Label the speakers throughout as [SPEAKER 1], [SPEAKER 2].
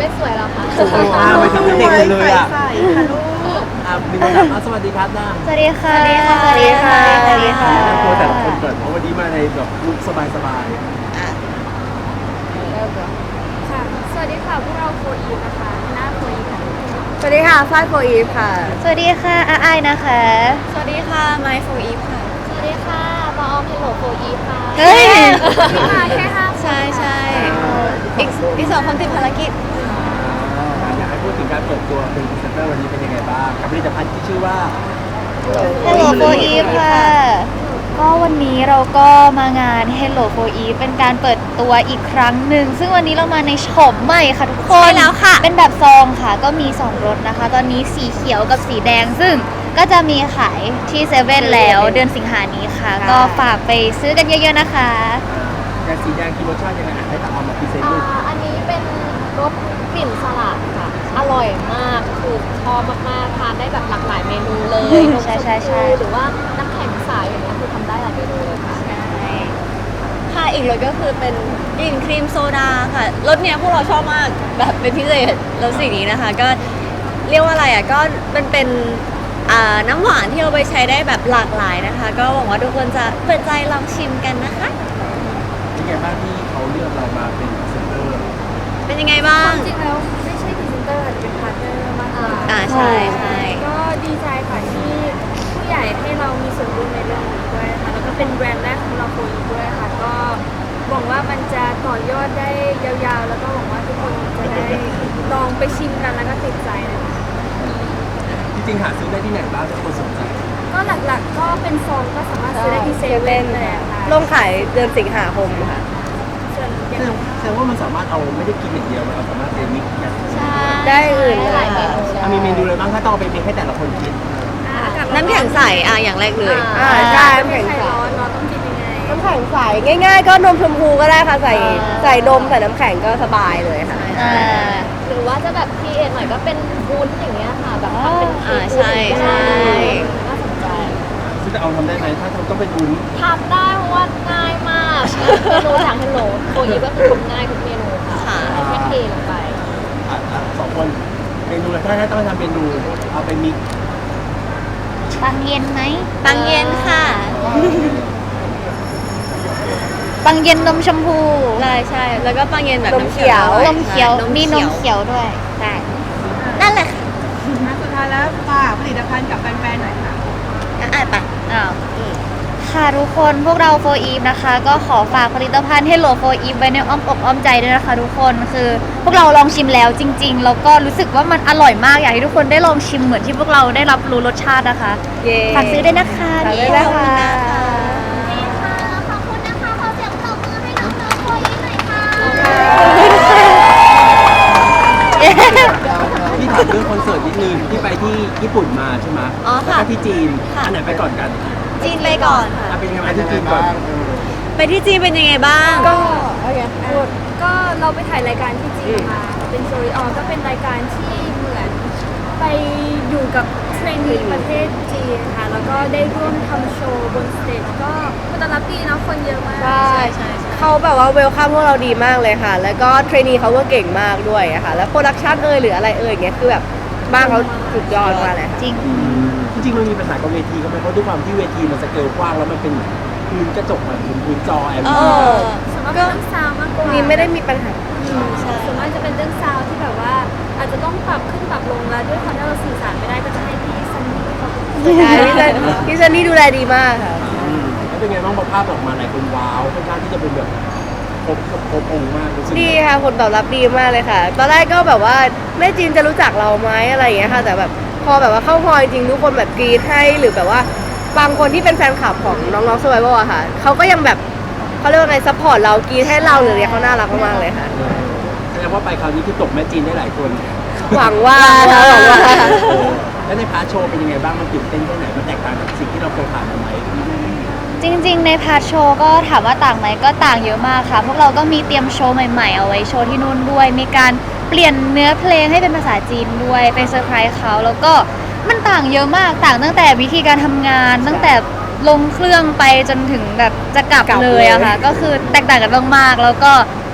[SPEAKER 1] ไม่สวยหรอคะ
[SPEAKER 2] โอ้โหไปถึงเด็กเลยอ่ะ
[SPEAKER 3] ใส่ค่ะลูก
[SPEAKER 2] มีคนถามสวัสดีครับน้ำ
[SPEAKER 1] สวัสดีค่ะ
[SPEAKER 3] สวัสดีค่ะ
[SPEAKER 1] สวัสดีค่ะ
[SPEAKER 3] สวัสดีค่ะ
[SPEAKER 2] แนะนำตัวแต่ละคนก่อนเพราะวันนี้มาในแบบลุคสบาย
[SPEAKER 1] ค่ะ สวัสดีค่ะพวกเราโฟอีนะคะหน้าโฟอีค่ะ
[SPEAKER 3] สวัสดีค่ะฝ้ายโฟอีฟค่ะ
[SPEAKER 1] สวัสดีค่ะอาไอนะคะ
[SPEAKER 3] สวัสดีค่ะไมค์โฟอีฟค่ะ
[SPEAKER 1] สวัสดีค่ะปออมเฮลโลโฟอีค่ะ
[SPEAKER 3] เฮ้ย
[SPEAKER 1] มาแค่ห้า
[SPEAKER 3] ใช่ใช่อีกสองคนติดภารกิจ
[SPEAKER 2] อยากให้พูดถึงการเปิดตัวเป็นพรีเซนเตอร์วันนี้เป็นยังไงบ้างกับผลิตภัณฑ์ที่ชื่อว่า
[SPEAKER 1] Hello for Eve ค่ะ ก็วันนี้เราก็มางาน Hello for Eve เป็นการเปิดตัวอีกครั้งหนึ่งซึ่งวันนี้เรามาในโฉมใหม่ค่ะทุกคน
[SPEAKER 3] ใช่แล้วค่ะ
[SPEAKER 1] เป็นแบบซองค่ะ ก็มี2รสนะคะ ตอนนี้สีเขียวกับสีแดง ซึ่งก็จะมีขายที่เซเว่นแล้วเดือนสิงหานี้ค่ะ ก็ฝากไปซื้อกันเยอะๆนะคะ
[SPEAKER 2] อย่างสีแดงคือรสชาติยังไงให้ตาเอามาพรีเซนต์ดู
[SPEAKER 4] อันนี้เป็นรสกลิ่นสลัดค่ะ อร่อยมาก คือชอบมากๆ ทานได้แบบหลากหลายเมนูเลยนม
[SPEAKER 1] ใช่
[SPEAKER 4] ชม
[SPEAKER 1] ใช่ใช่
[SPEAKER 4] พูหรือว่าน้ำแข็งใสอย่างเงี้ยคือทำได้หลายเมนูเลยค่ะ
[SPEAKER 3] ค่ะอีกรสก็คือเป็นกลิ่นครีมโซดาค่ะรสเนี้ยพวกเราชอบมากแบบเป็นพิเศษรสสีนี้นะคะ ก็เรียกว่าอะไรอ่ะก็มันเป็นน้ำหวานที่เอาไปใช้ได้แบบหลากหลายนะคะ ก็หวังว่าทุกคนจะเปิดใจลองชิมกันนะคะ
[SPEAKER 2] เป็นไงบ้างที่เขาเลือกเรามาเป็นพรีเซนเตอร์
[SPEAKER 3] เป็นยังไงบ้าง
[SPEAKER 4] จริงแล้วไม่ใช่พรีเซนเตอร์แต่เป็นพาร์ทเนอร์มากกว่า
[SPEAKER 3] ใช่ใช่
[SPEAKER 4] ก็ดีใจค่ะที่ผู้ใหญ่ให้เรามีส่วนร่วมในเรื่องนี้ด้วยนะคะแล้วก็เป็นแบรนด์แรกของเราโคอีด้วยค่ะ ก็หวังว่ามันจะต่อยอดได้ยาวๆ แล้วก็หวังว่าทุกคนจะได้ลองไปชิมกันแล้วก็ติดใจนะคะ
[SPEAKER 2] จริงๆหาซื้อได้ที่ไหนบ้างถ้าคนสนใจ
[SPEAKER 4] ก็หลักๆก็เป็นซองก็สามารถซื้อได้ที่เซเว่นเลยค่ะ
[SPEAKER 3] ลงขายเดือนสิงหาคมค่ะ
[SPEAKER 4] ส่วนอย่าง
[SPEAKER 2] แสดงว่ามันสามารถเอาไม่ได้กินอย่างเดียวมันเอาสามารถเป็นมิกซ์กัน
[SPEAKER 3] ได้อื่นเลย
[SPEAKER 4] หลายเมนู
[SPEAKER 2] มีเมนูอะไรบ้างถ้าต้องเอาไปเมกให้แต่ละคนกิน
[SPEAKER 3] น้ำแข็งใสอย่างแรกเลย
[SPEAKER 4] ใช่น้ำแข็งใสร้อนเราต้องกินยังไง
[SPEAKER 3] น้ำแข็งใสง่ายๆ ก็นมชมพูก็ได้ค่ะใส่นมใส่น้ำแข็งก็สบายเลยค่ะ
[SPEAKER 4] หรือว่าจะแบบพีเอหน่อยก็เป็นวุ้นอย่างเงี้ยค่ะ แบบทำเป็นเค้ก
[SPEAKER 3] ใช่ใช่
[SPEAKER 4] น่าสนใจ
[SPEAKER 2] ซึ่งจะเอาทำได้ไหมถ้าทำต้องเป็นวุ้น
[SPEAKER 4] ทำได้เพราะว่าง่ายมาก เมนูจากฮัลโหลโคอีก็คือทำง่ายทุกเมนูค่ะแค่เทลงไป
[SPEAKER 2] สองคนเมนูอะไรถ้าต้องทำเมนูเอาไปมิกซ์
[SPEAKER 1] ปังเย็นไหม
[SPEAKER 3] ปังเย็นค่ะ
[SPEAKER 1] ปังเย็นนมชมพู
[SPEAKER 3] ใช่แล้วก็ปังเย็นแบบ
[SPEAKER 1] นมเขียว
[SPEAKER 3] ด้วย
[SPEAKER 1] นมเขียว มีนมเขียวด้วย
[SPEAKER 3] ใช่นั่นแหละค่ะ
[SPEAKER 5] สุดท้ายแล้วฝากผลิตภัณฑ์กับแฟนๆหน่อยค่ะ
[SPEAKER 3] อ่านไป
[SPEAKER 1] อ้าวค่ะทุกคนพวกเราโฟอีฟนะคะ ก็ขอฝากผลิตภัณฑ์ Hello for Eve ไว้ในอ้อมอกอ้อมใจด้วยนะคะทุกคนคือพวกเราลองชิมแล้วจริงๆแล้วก็รู้สึกว่ามันอร่อยมากอยากให้ทุกคนได้ลองชิมเหมือนที่พวกเราได้รับรู้รสชาตินะคะ
[SPEAKER 3] เย้
[SPEAKER 1] ฝากซื้อด้วยนะคะ
[SPEAKER 3] ฝากด้วยนะคะ
[SPEAKER 4] ขอบคุณนะคะ ขอเสียงปรบมือให้น้องๆโคอีหน่อยค่ะ
[SPEAKER 2] พี่ถามเรื่องคอนเสิร์ตนิดนึงที่ไปที่ญี่ปุ่นมาใช่ไหม
[SPEAKER 3] อ๋อ
[SPEAKER 2] แล้ว
[SPEAKER 3] ค่ะ
[SPEAKER 2] ก็ที่จีน
[SPEAKER 3] ค่ะ
[SPEAKER 2] อันไหนไปก่อนกัน
[SPEAKER 3] จีนไปก่อนค่ะ
[SPEAKER 2] เป็นยังไงบ้างที่จีนก่อน
[SPEAKER 3] ไปที่จีนเป็นยังไงบ้าง
[SPEAKER 4] ก็เราไปถ่ายรายการที่จีนมาเป็นโซลิออก็เป็นรายการที่เหมือนไปอยู่กับเทรนนีประเทศจีนค่ะ แล้วก็ได้ร่วมทำโชว์บนสเตจก็คนต้อนรับดีเนาะคนเยอะมาก
[SPEAKER 3] ใช่เขาแบบว่าเวลคัมพวกเราดีมากเลยค่ะ แล้วก็เทรนนีเขาก็เก่งมากด้วยอะค่ะ แล้วโปรดักชันหรืออะไรเงี้ยคือแบบบ้านเขาสุดยอดมากเลยค่ะ
[SPEAKER 1] จริง
[SPEAKER 2] จริงๆมันมีปัญหากับเวทีก็ไหมเพราะด้วยความที่เวทีมันสเกลกว้างแล้วมันเป็นพื้นกระจกเหมือนพื้นจอ LED
[SPEAKER 4] ส่วนมากเป็นเรื่องซาวด์มากกว่า
[SPEAKER 3] นี่ไม่ได้มีปัญหา
[SPEAKER 4] ส่วนมากจะเป็นเรื่องซาวด์ที่แบบว่า อาจจะต้องปรับขึ้นปรับลงแล้วด้วยความที่เราสื่อสารไม่ได้ก็จะให้พี่ซันนี่เขา
[SPEAKER 3] ใช่พี่ซันนี่ดูแลดีมากค่ะ
[SPEAKER 2] แล้วเป็นไงบ้างพอภาพออกมาหลายคนว้าวค่อนข้างที่จะเป็นแบบครบองค์มากรู้สึก
[SPEAKER 3] ดีค่ะผลตอบรับดีมากเลยค่ะ ตอนแรกก็แบบว่าแม่จีนจะรู้จักเราไหมอะไรอย่างเงี้ยค่ะ แต่แบบพอแบบว่าเข้าฮอลจริงๆทุกคนแบบกรี๊ดให้หรือแบบว่าบางคนที่เป็นแฟนคลับของน้องๆสวายบอะค่ะเขาก็ยังแบบเขาเรียกว่าไงซัพพอร์ตเรากรี๊ดให้เราหรืออะไรเขาน่ารักมากๆเลยค่ะ
[SPEAKER 2] แสดงว่าไปคราวนี้คือตกแม่จีนได้หลายคน
[SPEAKER 3] หวังว่านะหวังว่า
[SPEAKER 2] แล้วในพาร์ทโชว์เป็นยังไงบ้างมันตื่นเต้นแค่ไหนมันแตกต่างจากสิ่งที่เราเคยผ่านมาไหม
[SPEAKER 1] จริงๆ ในพาร์ทโชว์ก็ถามว่าต่างไหมก็ต่างเยอะมากค่ะ พวกเราก็มีเตรียมโชว์ใหม่ๆ เอาไว้โชว์ที่นู่นด้วย มีการเปลี่ยนเนื้อเพลงให้เป็นภาษาจีนด้วยไปเซอร์ไพรส์เขาแล้วก็มันต่างเยอะมากต่างตั้งแต่วิธีการทำงาน ตั้งแต่ลงเครื่องไปจนถึงแบบจะกลับเลยอะค่ะก็คือแตกต่างกันมากๆแล้วก็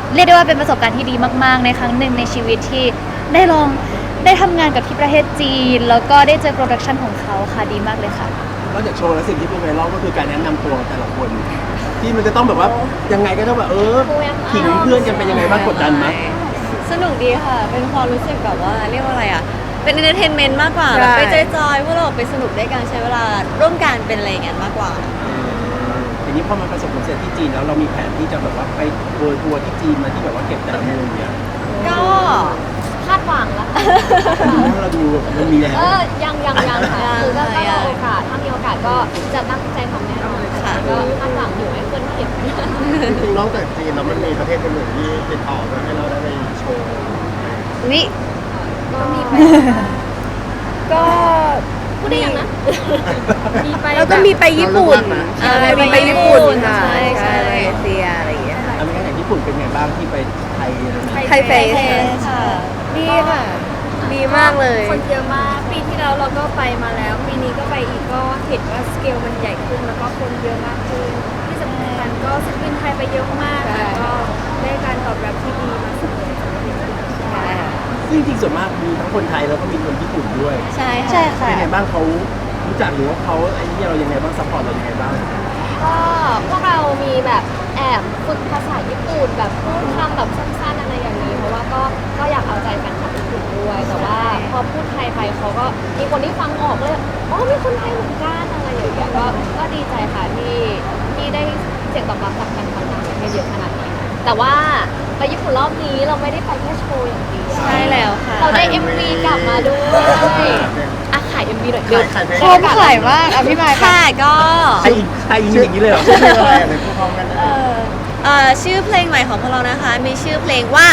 [SPEAKER 1] เรียกได้ว่าเป็นประสบการณ์ที่ดีมากๆในครั้งหนึ่งในชีวิตที่ได้ทำงานกับที่ประเทศจีน แล้วก็ได้เจอโปรดักชันของเขาค่ะดีมากเลยค่ะ
[SPEAKER 2] นอกจากโชว์แล้วสิ่งที่เป็นไวรัลก็คือการแนะนำตัวแต่ละคน ที่มันจะต้องแบบว่ายังไงก็ต้องแบบขิงเพื่อนกันเป็นยังไงบ้างกดดันไหม
[SPEAKER 3] สนุกดีค่ะ เป็นความรู้สึกแบบว่าเรียกว่าอะไรอ่ะ เป็น e อนเตอร์เทนเมนต์มากกว่าแบบไปจอยๆพวกเราไปสนุกด้วยกันใช้เวลาร่วมกันเป็นอะไรอย่างเงี้ยมากกว่า
[SPEAKER 2] ทีนี้พอมันประสบความสำเร็จที่จีนแล้วเรามีแผนที่จะแบบว่าไปเวิร์ทัวร์ที่จีนมาที่แบบว่าเก็บแต่ละมุมเนี่ย
[SPEAKER 3] ก็
[SPEAKER 4] คาดหวังแล้ว
[SPEAKER 2] เราดูมันมีแล้ว
[SPEAKER 4] ยังค่ะคือก็ต้องรอโอกาสถ้ามีโอกาสก็จะตั้งใจทำแน่นอนค่ะก็คาดหวังอยู่ให้เพื่อนเก็บ
[SPEAKER 6] จริงๆนอกจากจีนแล้วมันมีประเทศอื่นๆที่ติดต่อมาให้เราได้ไปโชว์
[SPEAKER 1] วิ
[SPEAKER 4] ก็มีไป
[SPEAKER 3] ก็
[SPEAKER 4] พูดได้ยังนะ มีไป
[SPEAKER 3] แล้วก็มีไปญี่ปุ่น
[SPEAKER 6] ใช่
[SPEAKER 3] มีไปญี่ปุ่นค่ะ
[SPEAKER 4] ใช่
[SPEAKER 3] มาเลเซียอะไรอย่างเงี้ยค่ะ
[SPEAKER 2] อเมริกาอย่างญี่ปุ่นเป็นไงบ้างที่ไปไทยอะไรเงี้ย
[SPEAKER 3] ไทยเฟสค่ะ ดีค่ะ ดีมากเลย
[SPEAKER 4] คนเยอะมากปีที่แล้วเราก็ไปมาแล้ว ปีนี้ก็ไปอีกก็เห็นว่าสเกลมันใหญ่ขึ้นแล้วก็คนเยอะมากขึ้นที่สำคัญก็ศิลปินไทยไปเยอะมากค่ะก็ได้การตอบรับที่ดีมาเสมอ
[SPEAKER 2] ซึ่งจริงๆส่วนมากมีทั้งคนไทยแล้วก็มีคนญี่ปุ่นด้วย
[SPEAKER 3] ใช่
[SPEAKER 1] ใช่
[SPEAKER 3] ค่ะ
[SPEAKER 1] ค่ะ
[SPEAKER 2] เป็นไงบ้างเขารู้จักหรือว่าเขาไอ้นี่เรายังไงบ้างซัพพอร์ตเรายังไงบ้าง
[SPEAKER 4] ก็พวกเรามีแบบแอบฝึกภาษาญี่ปุ่นแบบพูดคำแบบสั้นๆอะไรอย่างนี้เพราะว่าก็อยากเอาใจแฟนคลับญี่ปุ่นด้วย แต่ว่าพอพูดไทยไปเขาก็มีคนที่ฟังออกเลยอ๋อมีคนไทยเหมือนกันอะไรอย่างเงี้ยก็ดีใจค่ะที่ได้เสียงตอบรับจากแฟนคลับต่างประเทศเยอะขนาดนี้ค่ะแต่ว่าไปญี่ปุ่นรอบนี้เราไม่ได้ไปแค่โชว์อย่างเดียว
[SPEAKER 3] ใช่แล้วค่ะ
[SPEAKER 4] เราได้ MV กลับมาด้วยอ่ะขาย MV หน่อยเดี๋ยว
[SPEAKER 6] ขายเพลง
[SPEAKER 1] ชมขายมากอ่ะพี่มายค่ะ
[SPEAKER 3] ค่ะก็
[SPEAKER 2] ไทยอย่างนี้เลยเหรอ
[SPEAKER 6] ชื่อเพลงอะไรอ่ะในพูดพร้อมกันได้ไหม
[SPEAKER 3] ชื่อเพลงใหม่ของพวกเรานะคะ มีชื่อเพลงว่า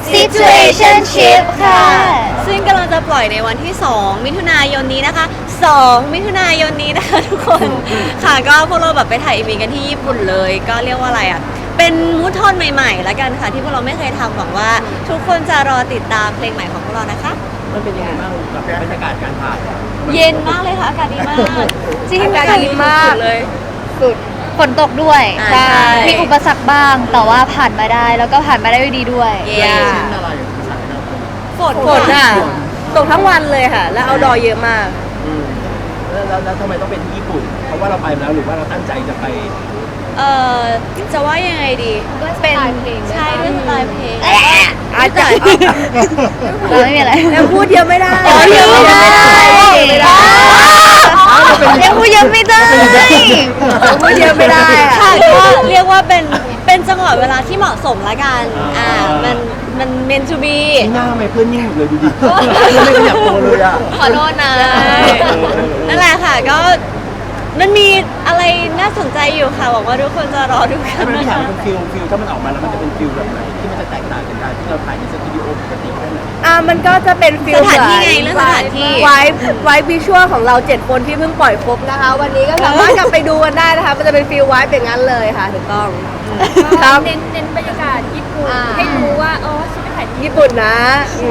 [SPEAKER 1] Situationship ค่ะ
[SPEAKER 3] ซึ่งกำลังจะปล่อยในวันที่ 2 มิถุนายนนี้นะคะ 2 มิถุนายนนี้นะคะทุกคน ค่ะก็พวกเราแบบไปถ่ายอีเวนต์กันที่ญี่ปุ่นเลย ก็เรียกว่าอะไรอ่ะ เป็นมูทโทนใหม่ๆ แล้วกันค่ะ ที่พวกเราไม่เคยทำหวังว่า ทุกคนจะรอติดตามเพลงใหม่ของพวกเรานะคะ
[SPEAKER 2] มันเป็นยังไงบ้างกับบรรยากาศการถ่ายอะ
[SPEAKER 3] เย็นมากเลยค่ะ อากาศดีมาก
[SPEAKER 1] จริง
[SPEAKER 3] อากาศดีมากเลย
[SPEAKER 1] ฝนตกด้วย
[SPEAKER 3] ใช่
[SPEAKER 1] มีอุปสรรคบ้าง แต่ว่าผ่านมาได้ แล้วก็ผ่านมาได้ด้วยดีด้วย
[SPEAKER 3] เย้
[SPEAKER 6] เช่นอะไรภาษาเรา
[SPEAKER 3] ฝนค่ะตกทั้งวันเลยค่ะ แล้วเอาดอเยอะมาก
[SPEAKER 2] อืมแล้วทำไมต้องเป็นที่ญี่ปุ่น เพราะว่าเราไปมาแล้วหรือว่าเราตั้งใจจะไป
[SPEAKER 3] จะว่ายังไงดี
[SPEAKER 4] ด้วยสไตล์เพลง
[SPEAKER 3] ใช่ด้วยสไตล์เพลง
[SPEAKER 1] อาจจะเราไม่มีอะไร
[SPEAKER 3] ยังพูดเยอะไม่ได้
[SPEAKER 1] อ๋อเยอะไม่ได้
[SPEAKER 3] ไม่ได้
[SPEAKER 1] ยังพูดเยอะไม่ได้
[SPEAKER 3] พูดเยอะไม่ได้ค่ะก็เรียกว่าเป็นจังหวะเวลาที่เหมาะสมละกัน มัน meant to be
[SPEAKER 2] ที่หน้าทำไมเพื่อนนิ่งหมดเลยดูดิเพื่อนไม่ขยับตัวเลยอ่ะ
[SPEAKER 3] ขอโทษนะ นั่นแหละค่ะก็มันมีอะไรน่าสนใจอยู่ค่ะหวังว่าทุกคนจะรอดูกั
[SPEAKER 2] ถ้าน มัน
[SPEAKER 3] นะ
[SPEAKER 2] ถาม
[SPEAKER 3] คะ
[SPEAKER 2] เป็นฟิลถ้ามันออกมาแล้วมันจะเป็นฟิลแบบไหนที่มันจะแตกต่างจากการที่เราถ่ายในสตูดิโอปกติแค่ไหน
[SPEAKER 7] มันก็จะเป็นฟิล
[SPEAKER 3] สถานที่ไงเรื่องสถานที่
[SPEAKER 7] ไวท์วิชวลของเรา 7 คนที่เพิ่งปล่อยครบนะคะ วันนี้ก็สามารถกลับไปดูกันได้นะคะ มันจะเป็นฟิลไวท์เป็นงั้นเลยค่ะถูกต้อง ครับ
[SPEAKER 4] เน้นบรรยากาศญี่ปุ่นให้รู้ว่าอ๋อฉันไปถ่ายที่
[SPEAKER 7] ญี่ปุ่นนะ
[SPEAKER 1] ใช่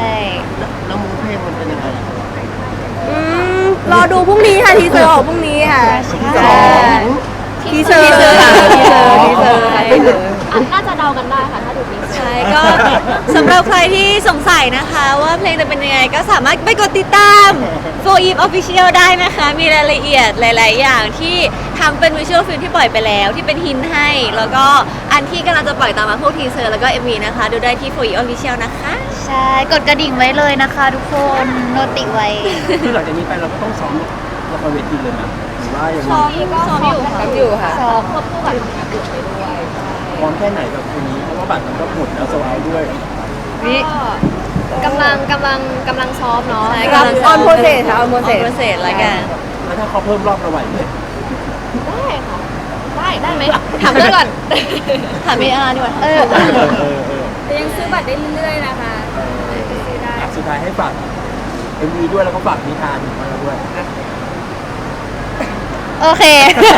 [SPEAKER 6] แล้วมูเพลงมันเป็นยังไง
[SPEAKER 7] รอดูพรุ่งนี้ค่ะ ทีเซอร์ออกพรุ่งนี้ค่ะ
[SPEAKER 1] ใช่
[SPEAKER 7] ทีเซอร์ค่ะทีเซอร์ค่ะทีเซอร์
[SPEAKER 4] น่าจะเดากันได้ค่ะถ้าดูนี้
[SPEAKER 3] ใช่ก็สำหรับใครที่สงสัยนะคะว่าเพลงจะเป็นยังไงก็สามารถไปกดติดตาม For Eve Official ได้นะคะ มีรายละเอียดหลาย ๆ อย่างที่ทั้งเป็นวิชวลฟิล์มที่ปล่อยไปแล้วที่เป็นฮินให้ แล้วก็อันที่กำลังจะปล่อยตามมาพวกทีเซอร์แล้วก็ MV นะคะ ดูได้ที่ For Eve Official นะคะ
[SPEAKER 1] ใช่ กดกระดิ่งไว้เลยนะคะทุกคน โนติไว้
[SPEAKER 2] คือหลังจากนี้ไปเราก็ต้องซ้อมละครเวทีเลยนะหรือว่าอย่าง
[SPEAKER 3] ซ้อ
[SPEAKER 2] นี้
[SPEAKER 3] มอยู่ค่ะ
[SPEAKER 7] ทำอยู่ค่ะ
[SPEAKER 1] ซ้อม
[SPEAKER 4] ควบคู่กับทำงานอื่นไปด้วย
[SPEAKER 2] พร้อมแค่ไหนกับคนนี้เพราะว่าบัตรมันก็หมดแล้วโซเอาด้วย
[SPEAKER 4] กำลังซ้อมเนาะ
[SPEAKER 3] ใช่
[SPEAKER 7] ครับออนโปรเซสค่ะออนโปร
[SPEAKER 3] on
[SPEAKER 7] เซส
[SPEAKER 3] process แล้วกัน
[SPEAKER 2] แล้วถ้าเขาเพิ่มรอบเราไหวไหม
[SPEAKER 4] ได้ค่ะได้ไหมถามเพื่อนก่อน
[SPEAKER 3] ถามพี่อาร์ดีกว่า
[SPEAKER 1] เออ
[SPEAKER 4] แต่ยังซื้อบัตรได้เรื่อยๆนะคะซื้อได้
[SPEAKER 2] อ่ะสุดท้ายให้ฝาก MV ด้วยแล้วก็ฝากนิทานของเราด้วย
[SPEAKER 1] โอเค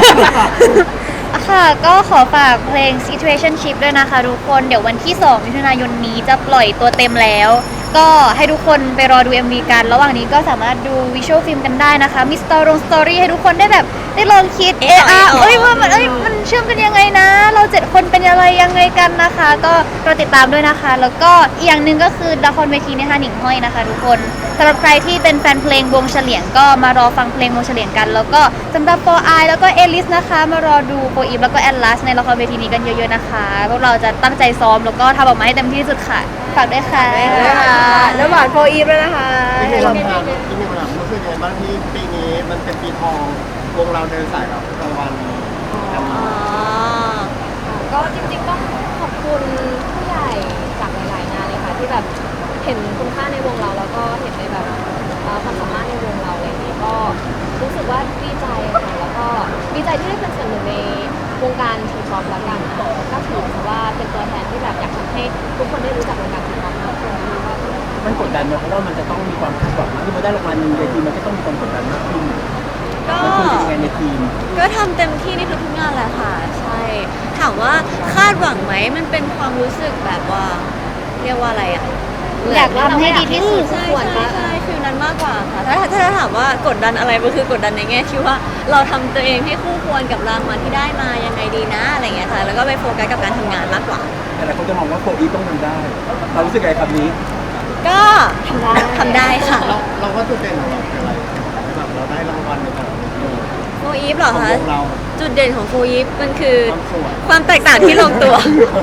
[SPEAKER 1] ค่ะ ก็ขอฝากเพลง Situationship ด้วยนะคะทุกคน เดี๋ยววันที่ 2 มิถุนายนนี้จะปล่อยตัวเต็มแล้วก็ให้ทุกคนไปรอดู MV กัน ระหว่างนี้ก็สามารถดูวิชวลฟิล์มกันได้นะคะ มีสตอรี่ให้ทุกคนได้แบบได้ลองคิดว่ามันเชื่อมกันยังไงนะ เรา7คนเป็นอะไรยังไงกันนะคะ ก็รอติดตามด้วยนะคะ แล้วก็อีกอย่างหนึ่งก็คือละครเวทีนะคะหนิงห้อยนะคะทุกคนสำหรับใครที่เป็นแฟนเพลงวงเฉลียงก็มารอฟังเพลงวงเฉลียงกัน แล้วก็สำหรับโฟไอแล้วก็เอลิสนะคะมารอดูโฟอีฟแล้วก็แอดลัสในละครเวทีนี้กันเยอะๆนะคะพวกเราจะตั้งใจซ้อมแล้วก็ทำออกมาให้เต็มที่ที่สุดค่ะฝากด้วยค่ะ
[SPEAKER 7] น้ำหวานโฟอีฟด้วยนะคะ
[SPEAKER 6] ที่มีคำถามรู้สึกยังไงบ้างที่ปีนี้มันเป็นปีทองวงเราเดินสายรับรางวัลกัน
[SPEAKER 4] ก็จริงๆต้องขอบคุณผู้ใหญ่จากหลายๆงานเลยค่ะที่แบบเห็นคุณค่าในวงเราแล้วก็เห็นในแบบความสามารถในวงเราอะไรอย่างนี้ก็รู้สึกว่าดีใจค่ะแล้วก็ดีใจที่ได้เป็นส่วนหนึ่งในวงการทีป๊อปละกันค่ะก็ถือว่าเป็นตัวแทนที่แบบอยากทำให้ทุกคนได้รู้จักวงการทีป๊อปมากขึ้นนะคะ
[SPEAKER 2] มันกดดันไหมเพราะว่ามันจะต้องมีความคาดหวังที่มาได้รางวัลหนึ่งในทีมมันก็ต้องมีความกดดันมากขึ้น
[SPEAKER 3] ก็
[SPEAKER 2] มันควรเป็นยังไงในทีม
[SPEAKER 3] ก็ทำเต็มที่ในทุกๆงานแหละค่ะ ใช่ ถามว่าคาดหวังไหมมันเป็นความรู้สึกแบบว่า เรียกว่าอะไรอ่ะ
[SPEAKER 1] อยากทำให้ดีที่สุด
[SPEAKER 3] ใช่ใช่ฟิลนั้นมากกว่าค่ะถ้าถามว่ากดดันอะไรมันคือกดดันในแง่ที่ว่าเราทำตัวเองให้คู่ควรกับรางวัลที่ได้มายังไงดีนะอะไรเงี้ยค่ะแล้วก็ไปโฟกัสกับการทำงานมากกว่า
[SPEAKER 2] แต่หลายคนจะมองว่าโฟอีฟต้องทำได้ เรารู้สึกไงคำนี้
[SPEAKER 3] ก็ทำได้ค่ะ
[SPEAKER 6] เราก็จุดเด่นของเราคืออะไรแบบเราได้รางวัลในแต่ละปี
[SPEAKER 3] โฟอีฟเหรอ
[SPEAKER 6] ของ
[SPEAKER 3] คะ
[SPEAKER 6] วงเรา
[SPEAKER 3] จุดเด่นของโฟอีฟมันคือ
[SPEAKER 6] ความสวย
[SPEAKER 3] ความแตกต่างที่ลงตัว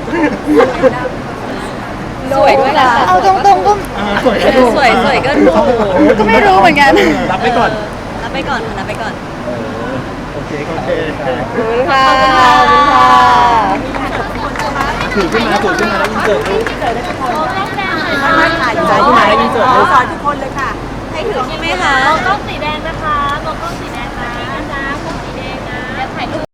[SPEAKER 3] สวยด้วยค่ะ
[SPEAKER 1] เอาตรงๆก็
[SPEAKER 6] สวยก็ถูก
[SPEAKER 3] สวยก็ถูก
[SPEAKER 1] ก็ไม่รู้เหมือนกัน
[SPEAKER 2] รับไปก่อน
[SPEAKER 3] รับไปก่อนค่ะรับไปก่อน
[SPEAKER 2] โอเค
[SPEAKER 6] โอเค
[SPEAKER 7] ค่ะ
[SPEAKER 2] ถือขึ้นมาแล้วยิงเกิดลูก
[SPEAKER 5] ถ่าย
[SPEAKER 2] ใจขึ้นมาแล้วยิงเกิดลูก
[SPEAKER 5] สอนทุกคนเลยค่ะ
[SPEAKER 3] ให้ถือใช่ไหมคะ
[SPEAKER 4] ต้องสีแ